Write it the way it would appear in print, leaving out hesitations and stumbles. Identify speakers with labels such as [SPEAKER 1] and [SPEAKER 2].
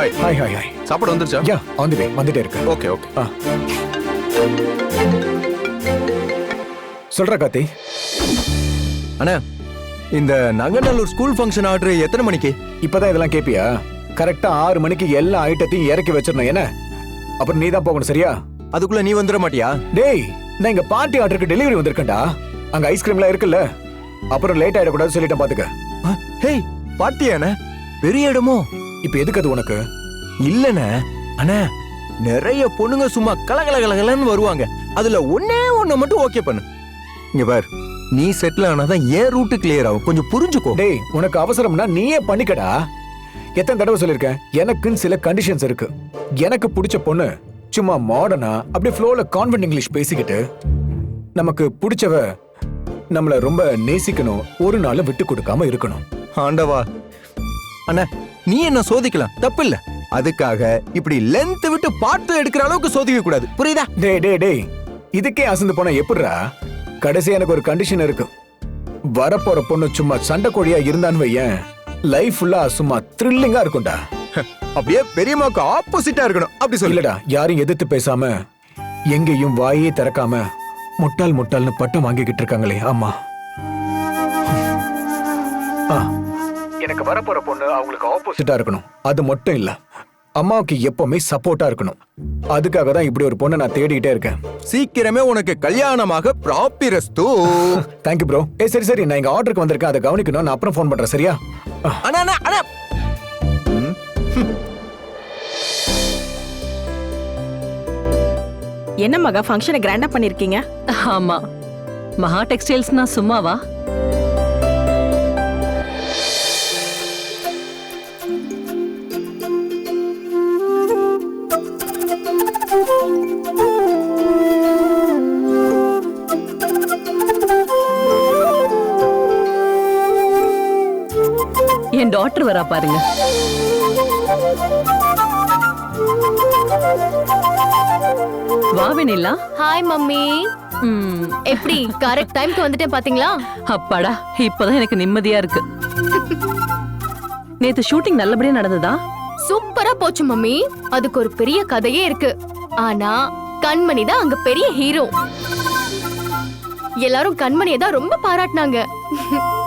[SPEAKER 1] Hi
[SPEAKER 2] hi hi hi.
[SPEAKER 1] சாப்பாடு வந்துருச்சா?
[SPEAKER 2] Yeah on the way, வந்துட்டே இருக்கு.
[SPEAKER 1] Okay okay.
[SPEAKER 2] சொல்ற கார்த்தி.
[SPEAKER 3] அண்ணா, இந்த நங்கநல்லூர் ஸ்கூல் ஃபங்க்ஷன் ஆர்டர் எத்தனை மணிக்கு?
[SPEAKER 2] இப்பதான் இதெல்லாம் கேப்பியா? கரெக்டா 6 மணிக்கு எல்லா ஐட்டத்தையும் இறக்கி வச்சிடணும். என்ன அப்புறம் நீ தான் போகணும், சரியா?
[SPEAKER 3] அதுக்குள்ள நீ வந்துட மாட்டியா?
[SPEAKER 2] டேய், நான் இங்க பார்ட்டி ஆர்டருக்கு டெலிவரி வந்திருக்கேன்டா. அங்க ஐஸ்கிரீம்லாம் இருக்குல்ல, அப்புறம் லேட் ஆயிடக்கூடாது சொல்லிட்டேன் பாத்துக்க.
[SPEAKER 3] ஹேய், பார்ட்டியாண்ணே? பெரிய இடமோ?
[SPEAKER 2] இப்ப எதுக்கு அது உனக்கு?
[SPEAKER 3] இல்லண்ணே அண்ணா, நிறைய பொண்ணுங்க சும்மா கலகலகலன்னு வருவாங்க. அதுல ஒன்னே ஒண்ணு மட்டும் ஓகே பண்ணு. இங்க பார், நீ செட்டில் ஆனாதான் ஏன் ரூட்டு கிளியர் ஆகும். கொஞ்சம் புரிஞ்சுக்கோ.
[SPEAKER 2] டேய், உனக்கு அவசரம்னா நீயே பண்ணிக்கடா. எத்தனை தடவை சொல்லிருக்கேன், எனக்குன்னு சில கண்டிஷன்ஸ் இருக்கு. எனக்கு பிடிச்ச பொண்ணு சும்மா மாடர்னா அப்படியே ஃப்ளோல கான்வென்ட் இங்கிலீஷ் பேசிக்கிட்டு, நமக்கு பிடிச்சவ நம்மள ரொம்ப நேசிக்கணும், ஒரு நாள் விட்டு கொடுக்காம இருக்கணும்.
[SPEAKER 3] ஆண்டவா அண்ணா, நீ என்ன சோதிக்கலாம், தப்பு இல்ல. அதுக்காக இப்படி லென்த் விட்டு பார்த்து எடுக்கிற அளவுக்கு சோதிக்க கூடாது, புரியுதா?
[SPEAKER 2] டேய் டேய் டேய், இதுக்கே அசந்து போனா எப்படிடா? கடைசி எனக்கு ஒரு கண்டிஷன் இருக்கு. வரப்போற பொண்ணு சும்மா சண்டை கோழியா இருந்தான்னு வையேன், லைஃப் ஃபுல்லா சும்மா த்ரில்லிங்கா இருக்கும்டா.
[SPEAKER 3] அப்படியே பெரியம்மாக்கு ஆப்போசிட்டா இருக்கணும், அப்படி
[SPEAKER 2] சொல்லடா. யாரையும் எதிர்த்து பேசாம, எங்கேயும் வாயே திறக்காம முட்டாள் முட்டாள்னு பட்டம் வாங்கிக்கிட்டு இருக்காங்களே. ஆமா, எனக்கு வரப்போற பொண்ணு அவங்களுக்கு ஆப்போசிட்டா இருக்கணும். அது மட்டும் இல்ல, அம்மாவுக்கு எப்பவுமே சப்போர்ட்டா இருக்கணும். அதுக்காக தான் இப்படி ஒரு பொண்ணை நான் தேடிக்கிட்டே இருக்கேன்.
[SPEAKER 3] சீக்கிரமே உனக்கு கல்யாணமாக ப்ராப்பிரஸ்து.
[SPEAKER 2] Thank you bro. சரி சரி, நான் இங்க ஆர்டருக்கு வந்திருக்கேன், அதை கவனிக்கணும். நான் அப்புறம் ஃபோன் பண்றேன், சரியா?
[SPEAKER 3] அண்ணா அண்ணா அண்ணா,
[SPEAKER 4] என்ன மகா ஃபங்க்ஷனை கிராண்டா பண்ணிருக்கீங்க?
[SPEAKER 5] ஆமா, மகா டெக்ஸ்டைல்ஸ்னா சும்மாவா? என் டாக்டர் வரா பாருங்க. வா வெண்ணிலா.
[SPEAKER 6] Hi mummy. எப்படி கரெக்ட் டைம்க்கு வந்துட்டேன் பாத்தீங்களா?
[SPEAKER 5] அப்பாடா, இப்பதான் எனக்கு நிம்மதியா இருக்கு. நேத்து ஷூட்டிங் நல்லபடியா நடந்ததா?
[SPEAKER 6] சூப்பரா போச்சு மம்மி. அதுக்கு ஒரு பெரிய கதையே இருக்கு. ஆனா கண்மணி தான் அங்க பெரிய ஹீரோ. எல்லாரும் கண்மணியை தான் ரொம்ப பாராட்டினாங்க.